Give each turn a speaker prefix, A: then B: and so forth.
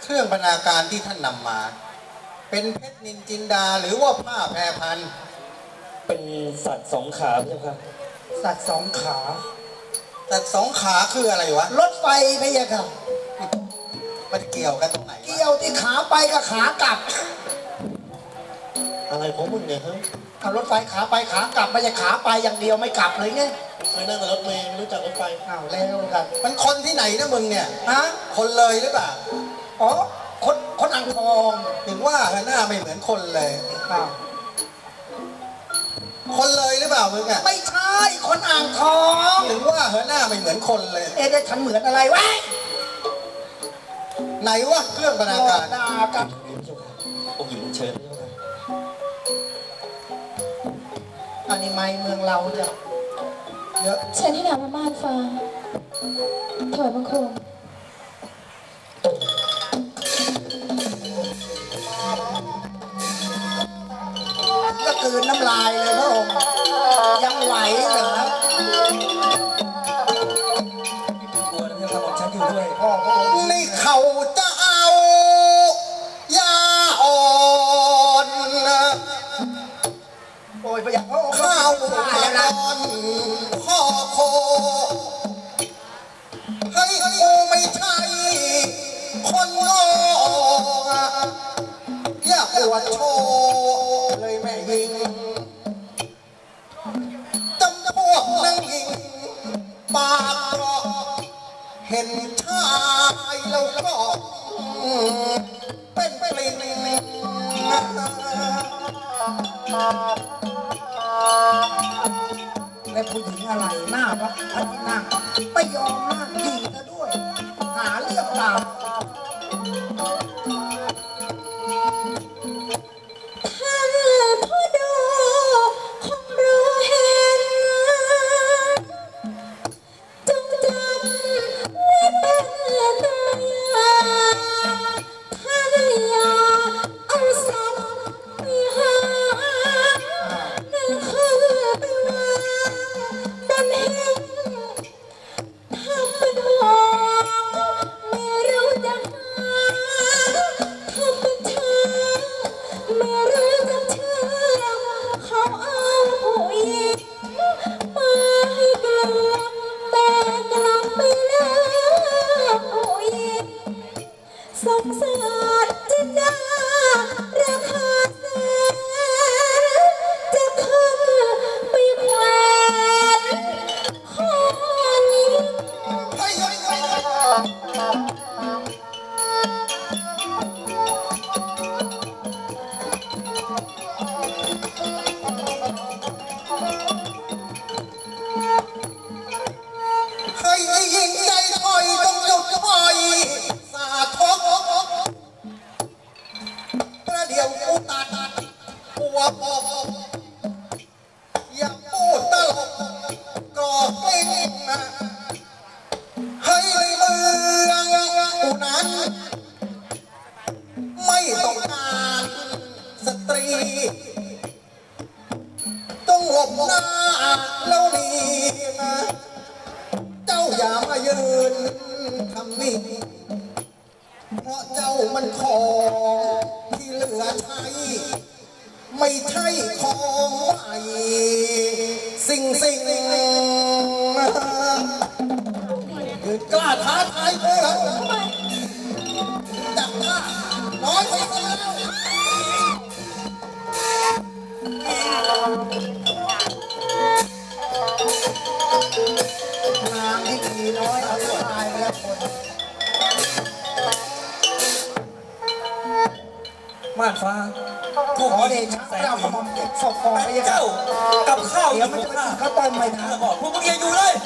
A: เครื่องบรรณาการที่ท่านนำมา เป็นเพชรนินจินดาหรือว่าผ้าแพรพัน
B: เป็นสัตว์สองขาใช่ไหมครับ
C: สัตว์สองขา
A: แต่สองขาคืออะไรวะ
C: รถไฟไม่ใช่ครับ
A: มันเกี่ยวกันตรงไหนวะ
C: เกี่ยวที่ขาไปกับขากลับ
B: อะไรของมึงเนี่ยฮะ
C: เอารถไฟขาไปขากลับไม่ใช่ขาไปอย่างเดียวไม่กลับเลยไง
B: เคยนั่งในรถเมล์ไม่รู้จักรถไฟ
C: เอาแล้วกัน
A: มันคนที่ไหนนะมึงเนี่ย
C: ฮะ
A: คนเลยหรือเปล่า
C: อ๋อคนอ่างทอง
A: ถึงว่าหน้าไม่เหมือนคนเลย
C: อ้าว
A: คนเลยหรือเปล่ามึงอ่ะ
C: ไม่ใช่คนอ่างทอง
A: ถึงว่าหน้าไม่เหมือนคนเลย
C: เอ๊ะได้ฉันเหมือนอะไรวะ
A: ไหนวะเครื่องบรรณาการ
C: ด่ากัน
B: องค์หญิงเชิญใช่ไหม
C: อันนี้ไม่เมืองเราจะเยอะ
D: ฉันที่นามว่าม่านฟ้าถอยบังคม
C: ก็คืนน้ำลายเลยพระองค์ยังไหวเหรอ
B: กลัวนะพี่ครับผมฉันอยู่ด้วย
C: พ่อพระองค์
A: นี่เขาจะเอายาอ่อนนะ
C: โอ้ยไปอย่างพระองค์
A: ข้าว
C: ได้
A: มา
C: แล้ว
A: น
C: นะ
A: อนข้อโคให้กูไม่ใช่คนโง่อย่าปวดโชว์เลยแม่ยิงจำพวกนั่งยิงปากเกราะเห็นชายแล้วก็เป็นปลิ้น
C: และผู้หญิงอะไรหน้าวัดพัฒนาไม่ยอมนั่งยิงซะด้วย หาเรื่องราว
D: ท่านผู้ดูคงรู้เห็นจงจำไว้เป็นตัวอย่างท่านอย่าเอาสัตว์ไปหานั่นคือไปวางบนหิ้งทำเป็นห่วงไม่รู้จะหาทำเป็นเธอไม่รู้จะเชื่อเขาเอาผู้หญิงมาให้กลัวแต่กลับไม่เลือกผู้หญิงสงสารจินดาราคาแสนจะขึ้นไปแขวนคอนี้
A: เฮ้ยเฮ้ยเฮ้ยเฮ้ยให้ยิงใจถอยต้องหยุดถอยสาทกประเดี๋ยวกูตัดหัวบอกอย่าพูดตลกก่อกลิ้งให้เมืองกูนั้น ไม่ต้องการสตรี ต้องหลบหน้าแล้วนี่นะเจ้าอย่ามายืนทำนิ่งเพราะเจ้ามันของที่เหลือใช้ ไม่ใช่ของใหม่สิ่งกล้าท้าทายเพื่อนจับว่าน้อยไปแล้ว
C: นางที่ดีน้อยเอาตายไปแล้วคน
B: ม่านฟ้า
C: ขอเดชะเจ้ากระหม่อมเก็บศพก่อนไปยัง
B: เจ้ากับข้าว
C: เดี๋ยวมันจะไปกินข้าวต้มไม่ทัน
B: บอกพวกมึงอย่าอยู่เลย